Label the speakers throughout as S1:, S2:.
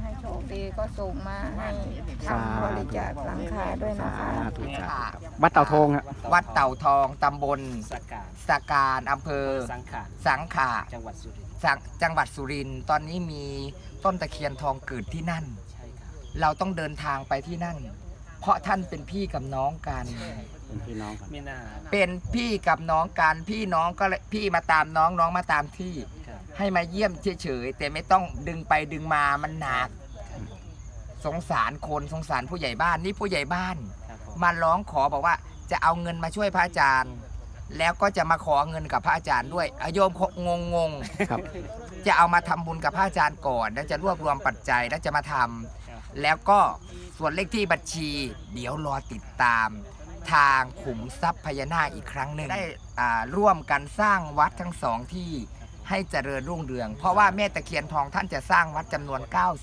S1: ให้โชคดีก็ส่งมาให้ทำบริจาคหลังคาด้วยนะคะ
S2: วัดเต่าทองฮะ
S3: วัดเต่าทองตำบล
S4: สกการ
S3: อำเภอ
S4: สังขะ
S3: จังหวัดสุรินทร์
S4: จังหวัดสุรินทร์ตอนนี้มีต้นตะเคียนทองเกิดที่นั่น
S3: ใช่ครับ
S4: เราต้องเดินทางไปที่นั่น เพราะท่านเป็นพี่กับน้องกัน
S2: เป็นพี่น้องกัน
S3: ไม่น่า
S4: เป็นพี่กับน้องกันพี่น้องก็เลยพี่มาตามน้องน้องมาตามที่
S3: ครับ
S4: ให้มาเยี่ยมเฉยๆแต่ไม่ต้องดึงไปดึงมามันหนัก สงสารคนสงสารผู้ใหญ่บ้านนี่ผู้ใหญ่บ้าน
S3: ครับผม
S4: มาร้องขอบอกว่าจะเอาเงินมาช่วยพระอาจารย์ แล้วก็จะมาขอเงินกับพระอาจารย์ด้วยโยมงง
S2: ครับ
S4: จะเอามาทำบุญกับพระอาจารย์ก่อนแล้วจะรวบรวมปัจจัยแล้วจะมาทำแล้วก็ส่วนเลขที่บัญชี เดี๋ยวรอติดตามทางขุมทรัพย์พญานาคอีกครั้งหนึ่งได้ร่วมกันสร้างวัดทั้งสองที่ให้เจริญรุ่งเรือง เพราะว่าแม่ตะเคียนทองท่านจะสร้างวัดจำนวน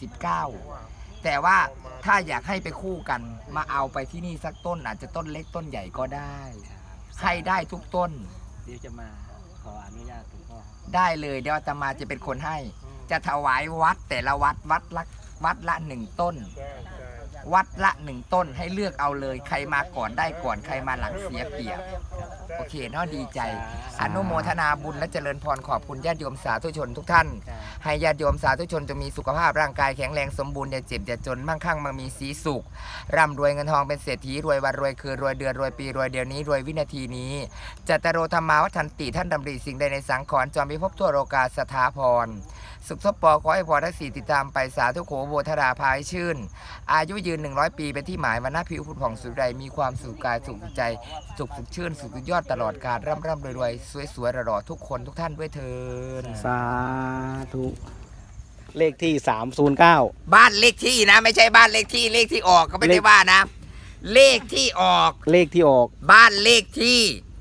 S4: 99 แต่ว่าถ้าอยากให้ไปคู่กันมาเอาไปที่นี่สักต้นอาจจะต้นเล็กต้นใหญ่ก็ได้ให้ได้ทุกต้น
S3: เดี๋ยวจะมาขออนุญาตหลวงพ่อ
S4: ได้เลยเดี๋ยวอาตมาจะเป็นคนให้ จะถวายวัดแต่ละวัดละหนึ่งต้น วัดละหนึ่งต้นให้เลือกเอาเลยใครมาก่อนได้ก่อนใครมาหลังเสียเปรียบโอเคเนาะดีใจ อนุโมทนาบุญและเจริญพรขอบคุณญาติโยมสาธุชนทุกท่าน ให้ญาติโยมสาธุชนจะมีสุขภาพร่างกายแข็งแรงสมบูรณ์อย่าเจ็บอย่าจนมั่งคั่งมั่งมีสีสุขร่ำรวยเงินทองเป็นเศรษฐีรวยวันรวยคืนรวยเดือนรวยปีรวยเดือนนี้รวยวินาทีนี้จัตตโรธรรมาวัฏันติท่านดำริสิ่งใดในสังขรณ์จอมพิภพทั่วโลกาสถาพรสุขสปอขอให้พรทั้งสี่ติดตามไปสาธุโขโบธราภายชื่น อายุยืน100 ปีเป็นที่หมายวันหน้าผิวผุดผ่องสุดใดมีความสุขกายสุขใจสุขชื่นสุขยอดตลอดกาลร่ำรวยสวยหล่อทุกคนทุกท่านด้วยเถิด
S2: สาธุเลขที่309
S4: บ้านเลขที่นะไม่ใช่บ้านเลขที่เลขที่ออกก็ไม่ได้ว่านะ เลขที่ออก
S2: เลขที่ออก
S4: บ้านเลขที่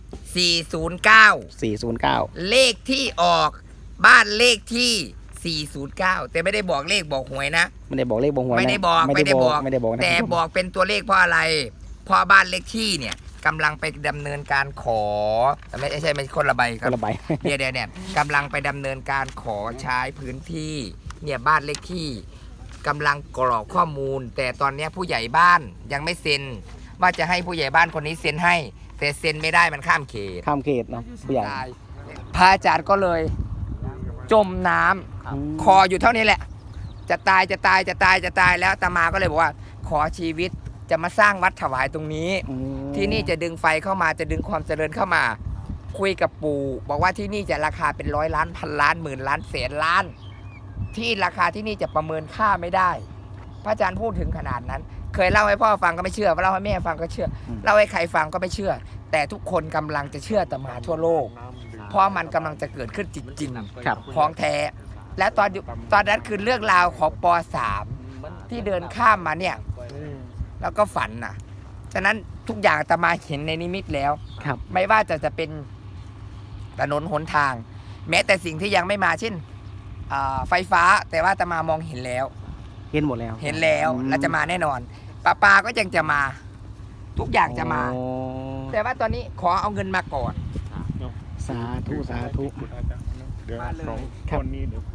S4: 409
S2: 409
S4: เลขที่ออกบ้านเลขที่ 409 แต่ไม่ได้บอกเลขบอกหวยนะ
S2: ไม่ได้บอกเลขบอกหวยนะ
S4: ไม่ได้บอก
S2: นะ
S4: แต่บอกเป็นตัวเลขเพราะอะไรเพราะบ้านเลขที่เนี่ยกำลังไปดำเนินการขอไม่ใช่คนละใบค
S2: ครับ นละใบ
S4: เนี่ยกำลังไปดำเนินการขอใช้พื้นที่เนี่ยบ้านเลขที่กำลังกรอกข้อมูล แต่ตอนนี้ผู้ใหญ่บ้านยังไม่เซ็นว่าจะให้ผู้ใหญ่บ้านคนนี้เซ็นให้แต่เซ็นไม่ได้มันข้ามเขต
S2: ข้ามเขตเนาะผู้ใหญ่
S4: พระอาจารย์ก็เลยจมน้ำคออยู่เท่านี้แหละ จะตายแล้วอาตมาก็เลยบอกว่าขอชีวิตจะมาสร้างวัดถวายตรงนี้ ที่นี่จะดึงไฟเข้ามาจะดึงความเจริญเข้ามา คุยกับปู่บอกว่าที่นี่จะราคาเป็น100 ล้านพันล้านหมื่นล้านแสนล้าน ที่ราคาที่นี่จะประเมินค่าไม่ได้ พระอาจารย์พูดถึงขนาดนั้น เคยเล่าให้พ่อฟังก็ไม่เชื่อเล่าให้แม่ฟังก็เชื่อเล่าให้ใครฟังก็ไม่เชื่อ แต่ทุกคนกำลังจะเชื่ออาตมาทั่วโลก เพราะมันกำลังจะเกิดขึ้นจริงๆ
S2: ครับ
S4: ของแท้ และตอนนั้นคือเรื่องราวของป .3 ที่เดินข้ามมาเนี่ยแล้วก็ฝันน่ะฉะนั้นทุกอย่างอาตมาเห็นในนิมิตแล้ว
S2: ครับ
S4: ไม่ว่าจะเป็นถนนหนทาง แม้แต่สิ่งที่ยังไม่มาเช่นไฟฟ้าแต่ว่าอาตมามองเห็นแล้ว
S2: เห็นหมดแล้ว
S4: เห็นแล้วและจะมาแน่นอนปาก็ยังจะมา ทุกอย่างจะมา
S2: โอ้
S4: แต่ว่าตอนนี้ขอเอาเงินมาก่อน
S2: สาธุสาธุ
S5: เดี๋ยวสอง
S2: ครับ
S5: คนนี้เดี๋ยว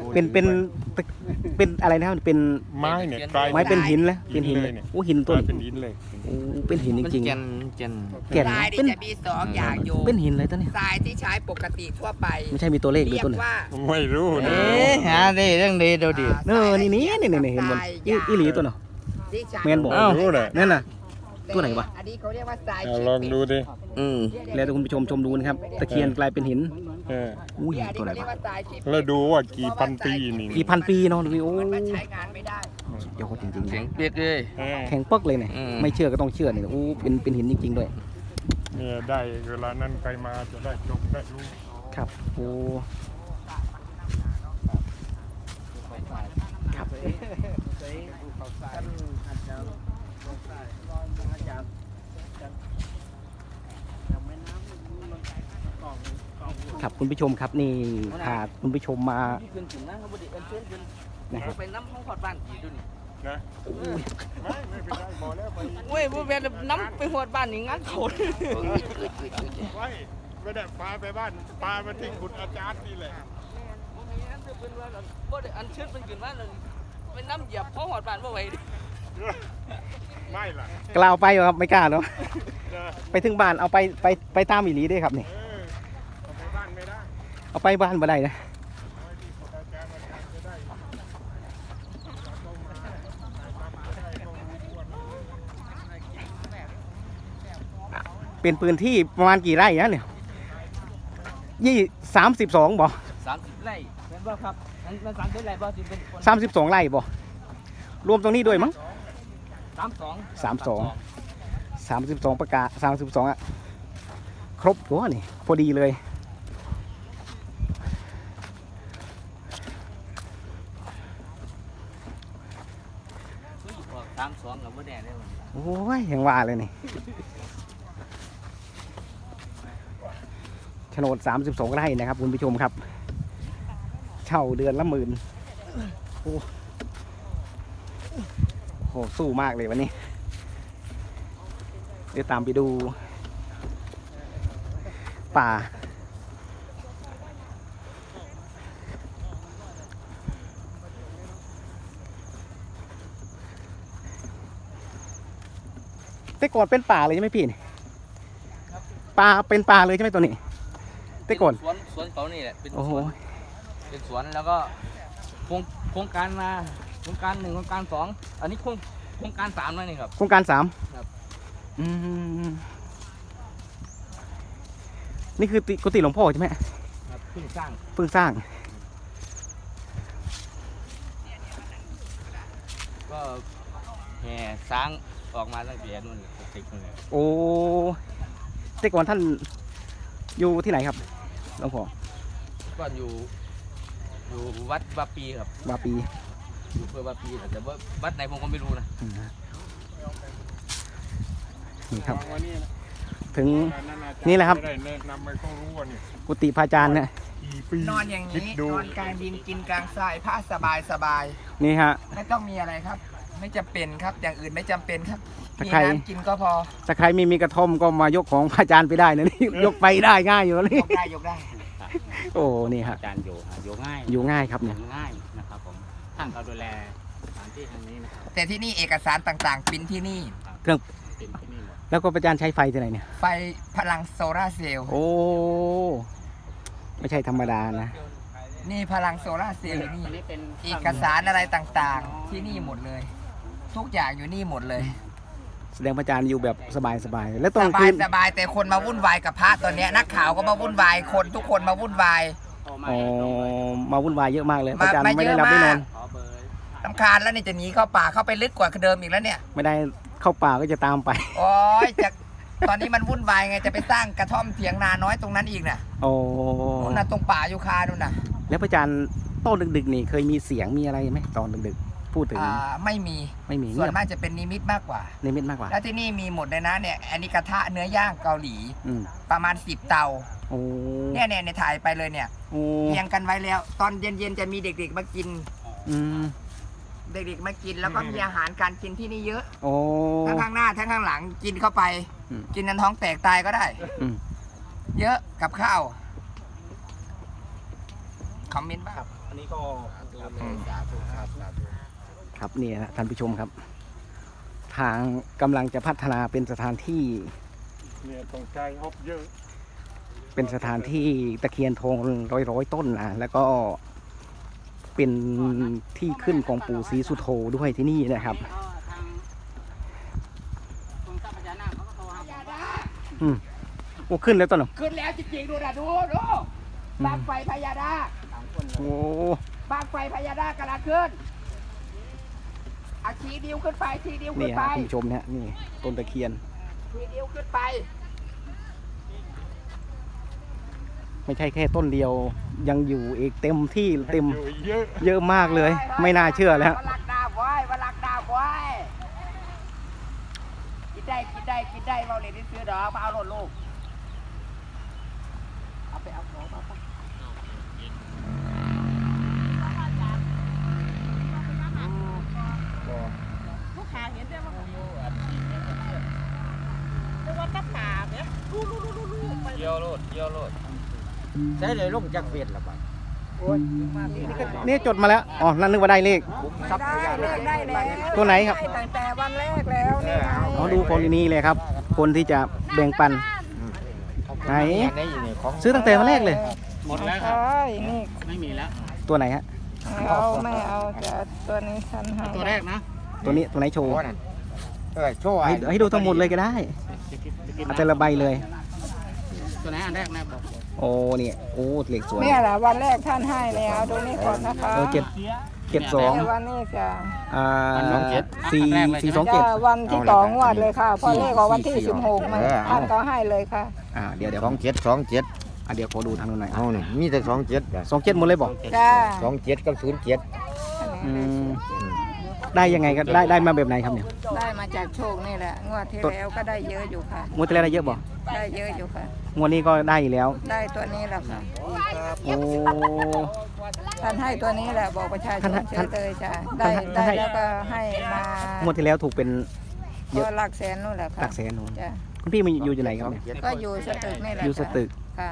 S2: เป็นอะไรนะครับเป็น
S5: ไม้เนี่ยกลาย
S2: ไม้เป็นหินแล้วเป็นหิน
S5: เลยเนี่ย
S2: โอ้หิน
S5: ก
S2: ต้น
S5: ลายเป็นหินเลย
S2: โอ้เป็นหินจริง
S3: เจน
S2: ๆแก่น
S4: ทราย
S2: เป็น
S4: นี่จะมี2 อย่างอยู่
S2: เป็นหินเลยต้นเนี่ย
S4: ทรายที่ใช้ปกติทั่วไป
S2: ไม่ใช่มีตัวเลขด้ว
S4: เรี
S2: ย
S4: ยก
S2: ต้นเนี่ย
S4: ว่า
S5: ไม่รู้นะ
S3: หาได้เรื่องดีเดี๋ยวดี
S2: เออนี่เห็นบนอีหลีตัวเนาะ
S4: ที่ใช้
S2: แมนบอก
S5: ไม่รู้เลย
S2: นั่นน่ะ ตัวไหนวะ
S4: อันนี้เขาเรียกว่าทราย
S5: เอาลองดูดิ
S2: แล้วคุณผู้ชมชมดูนะครับตะเคียนกลายเป็นหิน
S5: เออ
S2: อุ้ย
S4: อัน
S2: ตัวไหน
S4: นี้เขาเรียก
S2: วะ
S4: ว่าทรายขีด
S5: แล้วดูว่ากี่พันปีนี่
S2: กี่พันปีเนาะดูดิโอ้
S4: มันใช้งานไม่ได้
S2: สุดยอดจริงๆ
S3: แข็ง
S2: นะ
S3: เปียกเลย
S5: เออ
S2: แข็งปักเลยเนี่ย
S3: อืม
S2: ไม่เชื่อก็ต้องเชื่อเนี่ยโอ้เป็นหินจริงๆด้วย
S5: เนี่ยได้เวลานั้นใครมาจะได้จบได้รู้
S2: ครับโอ้ครับครับคุณผู้ชมครับนี่พาคุณผู้ชมมานะครับ
S3: ไปน้ำห้องขอดบ้านอีกดูนี่
S5: นะไม่เป็นไรบอกแล้วไป
S3: เว้ยบ่แม่นน้ำไปหอดบ้านนี่งั้นเขา
S5: ไว้ไม่ได้พาไปบ้านพามาที่คุณอาจารย์นี่แหละ
S3: บ่ได้อันเชิญเป็นขึ้นมาเลยไปน้ำเหยียบเพราะหอดบ้านบ่ไหวดิ
S5: ไม่ล่ะ
S2: กล้าเอาไปเหรอครับไม่กล้าเนาะ
S5: เออ
S2: ไปถึงบ้านเอาไปตามอีหลีได้ครับนี่
S5: เอาไปบ้านไม่ได้
S2: เอาไปบ้านบ่ได้นะ
S5: เอาที่อาจารย์จะได้ต้องมาต้องรู้ว่า
S2: เป็นพื้นที่ประมาณกี่ไร่นะเนี่ย32บ่
S3: 30 ไร่เป็นบ่ครับมัน30 ไร่บ่สิเป็นคน
S2: 32ไร่บ่รวมตรงนี้ด้วยมั้ง
S3: 32
S2: 32ประกาศ32อะครบตัวนี่พอดีเลย
S3: 32กับบ่แน่ได้บ่
S2: โอ้ยยังว่าเลยนี่โฉนด32ไร่นะครับคุณผู้ชมครับ เช่าเดือนละ10,000โอ้โหสู้มากเลยวันนี้เดี๋ยวตามไปดูป่าแต่ก่อนเป็นป่าเลยใช่ไหมพี่นี่ป่าเป็นป่าเลยใช่ไหมตัวนี้แต่ก่อน
S3: สวนเขานี่แหละเป็น
S2: โอ้โห
S3: เป็นสวนแล้วก็โครงการมาโครงการ1โครงการ2อันนี้โครงการ3แล้วนี่ครับ
S2: โครงการ3
S3: ครับ
S2: นี่คือกุฏิหลวงพ่อใช่ไหม
S3: ครับเพิ่งสร้าง
S2: เพิ่งสร้าง
S3: ก็แห่สร้างออกมาตั้งแต่นู่นติดนู่นเลย
S2: โอ้แต่ก่อนท่านอยู่ที่ไหนครับหลวงพ่อ
S3: ก็อยู่วัดบาปีครับ
S2: วาปี
S3: อยู่เพื่อบาปีแต่ว่าวัดไหนผมก็ไม่รู้นะ
S2: นี่ครับ
S5: วันนี้นะ
S2: ถึง
S5: การนั้นอาจารย์
S2: นี่แหละครับ
S5: จได้แนะนำให้เขารู้ว่านี่
S2: กุฏิพระอาจารย์เนี่ย
S5: กี่ปี
S4: นอนอย่าง
S5: คิด
S4: นี้
S5: ดู
S4: นอนกลางดินกินกลางทรายผ้าสบายสบาย
S2: นี่ฮะ
S4: ไม่ต้องมีอะไรครับ ไม่จำเป็นครับ อย่างอื่นไม่จำเป็นครับ
S2: ถ้า
S4: มี
S2: ใคร
S4: น้ำกินก็พอ
S2: ถ้าใครไม่มีกระท่อมก็มายกของพระอาจารย์ไปได้นะนี่ ยกไปได้ง่ายอยู่นี่
S4: ยกได้ยกได้
S2: โอ้นี่ฮะ
S6: อาจารย์อยู่ง่าย
S2: อยู่ง่ายครับเนี่ย
S6: ง่ายนะครับผมท่านเขาดูแลสถานที่แห่งนี้นะครับ
S4: แต่ที่นี่เอกสารต่างๆปริ้นที่นี่
S6: เป็นที่นี่หมด
S2: แล้วก็พระอาจารย์ใช้ไฟที่ไหนเนี่ย
S4: ไฟพลังโซลาร์เซลล์
S2: โอ้ไม่ใช่ธรรมดานะ
S4: นี่พลังโซลาร์เซลล์นี่
S6: อันนี้เป็น
S4: เอกสารอะไรต่างๆ ที่นี่หมดเลย ทุกอย่างอยู่นี่หมดเลย
S2: แสดงพระอาจารย์อยู่แบบสบายๆแล้วต
S4: ส
S2: อน
S4: บา
S2: คื
S4: ย
S2: น
S4: สบายแต่คนมาวุ่นวายกับพระตอนเนี้ยนักข่าวก็มาวุ่นวายคนทุกคนมาวุ่นวาย
S2: อ๋อมาวุ่นวายเยอะมากเลยพระอาจารย์
S4: มา
S2: ไม่ได้
S4: เยอะ
S2: รับไม่นอน
S4: มาก
S6: ขอเบอร์
S4: ลำคาญแล้วนี่จะหนีเข้าป่าเข้าไปลึกกว่าเดิมอีกแล้วเนี่ย
S2: ไม่ได้เข้าป่าก็จะตามไป
S4: โอ้ยจะตอนนี้มันวุ่นวายไงจะไปสร้างกระท่อมเถียงนาน้อยตรงนั้นอีกน่ะ
S2: โอ้
S4: นู่นน่ะตรงป่ายูคานู่นน่ะ
S2: แล้วพระอาจารย์ตอนดึกๆนี่เคยมีเสียงมีอะไรไหมตอนดึกๆพูดถึง
S4: ไม่มี
S2: ไม่มี
S4: ส่
S2: เงี
S4: วน
S2: ยบ
S4: มากจะเป็นนิมิตมากกว่า
S2: นิมิตมากกว่า
S4: แล้วที่นี่มีหมดเลยนะเนี่ยอันนี้กระทะเนื้อย่างเกาหลี
S2: อืม
S4: ประมาณ10 เตา
S2: โอ้
S4: เนี่ยในถ่ายไปเลยเนี่ย
S2: โอ้
S4: เรียงกันไว้แล้ว ตอนเย็นๆจะมีเด็กๆมากิน
S2: อืม
S4: เด็กๆมากินแล้วก็มีอาหารการกินที่นี่เยอะ
S2: โอ้
S4: ทั้งข้างหน้าทั้งข้างหลังกินเข้าไป
S2: อืม
S4: กินนันท้องแตกตายก็ได้
S2: อืม
S4: เยอะกับข้าวคอมเมนต์บ้าง
S2: อันนี้ก็ครับนี่นะท่านผู้ชมครับ ทางกำลังจะพัฒนาเป็นสถานที่
S5: เนี่ยต้องใจฮอบเยอะ
S2: เป็นสถานที่ตะเคียนทองร้อยต้นนะแล้วก็เป็นที่ขึ้นของปู่ศรีสุโธด้วยที่นี่นะครับ
S6: ทางกรมทรัพยากรเขาก็โทรหา
S2: โอ้ขึ้นแล้วต้นเหรอ
S4: ขึ้นแล้วจริงๆดูนะดูบางไฟพญาดา
S2: โอ้
S4: บางไฟพญาดากำลังขึ้นอาชี้นิ้วขึ้นไปชี้นิ้ว
S2: นี่
S4: ขึ้น
S2: ฮะ
S4: ไป
S2: ท่านผู้ชมเนี่ยนี่ต้นตะเคียน
S4: ชี้นิ้วขึ้นไป
S2: ไม่ใช่แค่ต้นเดียวยังอยู่อีกเต็มที่เต็ม
S5: อยู่เยอะ
S2: เยอะมากเลย ไม่น่าเชื่อแล้ว
S4: วลักดาบไว้วลักดาบไว้กินได้เราเลยที่ซื้อดอกมาเอารถลูกเอาไปเอาของมาไป
S7: ลูกค้าเห็นได้ว่าแต่ว่าตะป่าเนี่ยลู่ไป
S3: เยี่ยวโลดใช้เลยลงจากเวียนละบาด
S2: นี่จดมาแล้วอ๋อนั่นนึกว่าได้เลข
S1: ได้เลขได้แล้ว
S2: ตัวไหนครับ
S1: ด้ตั้งแต่วันแรกแล้วนี่ไง
S2: อ๋อดูคนนี้เลยครับ คนที่จะแบ่งปันไหนซื้อตั้งแต่วันแรกเลย
S6: หมดแล้วครับ
S1: ใช่นี่
S6: ไม่มีแล้ว
S2: ตัวไหนฮะ
S1: ไม่เอาจะตัวนี้ฉันให้
S6: ตัวแรกนะ
S2: ตัวนี้ตัวไหนโชว์
S5: โชว์
S2: ให้ดูทั้งหมดเลยก็ได้เอาแต่ละใบเลย
S6: ตัวไหนอันแรกนะบอก
S2: โอ้เนี่ยโอ้เลขสวย
S1: เนี่ยแหละวันแรกท่านให้แล้วดูนี่ก่อนนะคะ
S2: 772
S1: เนี่ยวันนี้จะ
S2: 427
S1: จะวันที่สองงวดเลยค่ะเพอเลขของวันที่16มันท่านก็ให้เลยค่ะ
S2: เดี๋ยว
S5: 27 27
S2: เดี๋ยวขอดูทางนู้นหน่อย
S5: เอานี่มีแต่27
S2: 27หมดเลยบอก
S1: จ้า
S5: 27กับ07
S2: อืมได้ยังไงก็ได้มาแบบไหนครับเนี่ย
S1: ได้มาจากโชคนี่แหละงวดที่แล้วก็ได้เยอะอยู่ค่ะ
S2: งวดที่แล้วได้เยอะบ่
S1: ได้เยอะอยู่ค่ะ
S2: งวดนี้ก็ได้อีกแล้ว
S1: ได้ตัวนี้แหละค่ะ
S2: โอ้
S1: ท่านให้ตัวนี้แหละบอกประชาชน
S2: ท่าน
S1: เฉยเลยจ้ะ
S2: ท่าน
S1: ได้
S2: ให้
S1: แล้วก็ให้มาง
S2: วดที่แล้วถูกเป็น เยอะ
S1: ก็หลักแสนนู่นแหละค่ะ
S2: หลักแสนนู่น
S1: จ้ะ
S2: คุณพี่มาอยู่ไหนครับเนี่ย
S1: ก็อยู่สตึกนี่แหละ
S2: อยู่สตึก
S1: ค่ะ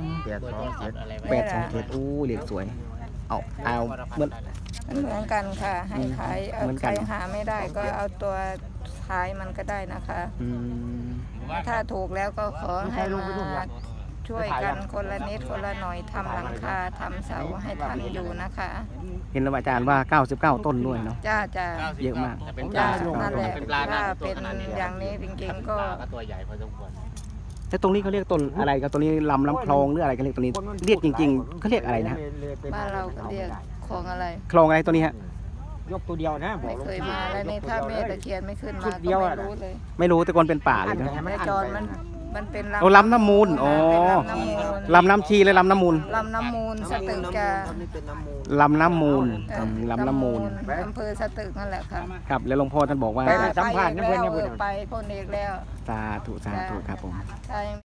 S2: 827โอ้เลขสวยเอาเหมือน
S1: มันเหมือนกันค่ะ ให้ขายเอา
S2: เหมือนกั
S1: ใคร
S2: น
S1: หาไม่ได้ก็เอาตัวท้ายมันก็ได้นะคะ
S2: อืม
S1: ถ้าถูกแล้วก็ขอให้มาช่วยกันคนละนิดคนละหน่อยทำหลังคาทำเสาให้ทันอยู่นะคะ
S2: เห็นแล้วอาจารย์ว่า 99 ต้นด้วยเนาะ
S1: จ้าจ้า
S2: เยอะมาก
S6: จะเป็นป
S1: จ้า
S6: ลา
S1: นั่นแหละ
S6: เป็นปลาหน้า
S1: ถ้าเป็นอย่างนี้จริงๆก็
S6: ก็ตัวใหญ่พอสมควร
S2: แต่ตรงนี้เขาเรียกต้นอะไรครับตัวนี้ลำน้ำคลองหรืออะไรกันเรียกตัวนี้เรียกจริงๆเขาเรียกอะไรนะฮะ
S1: บ้านเราก็เรียกของอะไร
S2: คลองอะไรตัวนี้ฮะ
S5: ยกตัวเดียวนะ
S1: ไม่เคยมาแล้วนี่ถ้าแม่ตะเคียนไม่ขึ้นมา
S5: ชุดเดี
S1: ก็
S5: ยว
S1: ไม่
S5: อะ
S1: รู้เลย
S2: ไม่รู้แต่ก่อนเป็นป่าเลยนะ
S1: แต่จรมันเป็น
S2: โอ้ลำน้ำมูลอ๋อ
S1: เป็นลำน้ำมูล
S2: ลำน้ำชีเลยลำน้ำมูล
S1: ลำน้ำมูลสตึกจะ
S2: ลำน้ำมูล
S1: เอ่อ
S2: ลำน้ำมูล
S1: อำเภอสตึกนั่นแหละค่ะ
S2: ครับแล้วหลวงพ่อท่านบอกว่า
S5: ไปสัมภาษณ์นะเพื่อน
S1: ไปพ่นเอกแล้ว
S2: สาธุครับผม
S1: ใช่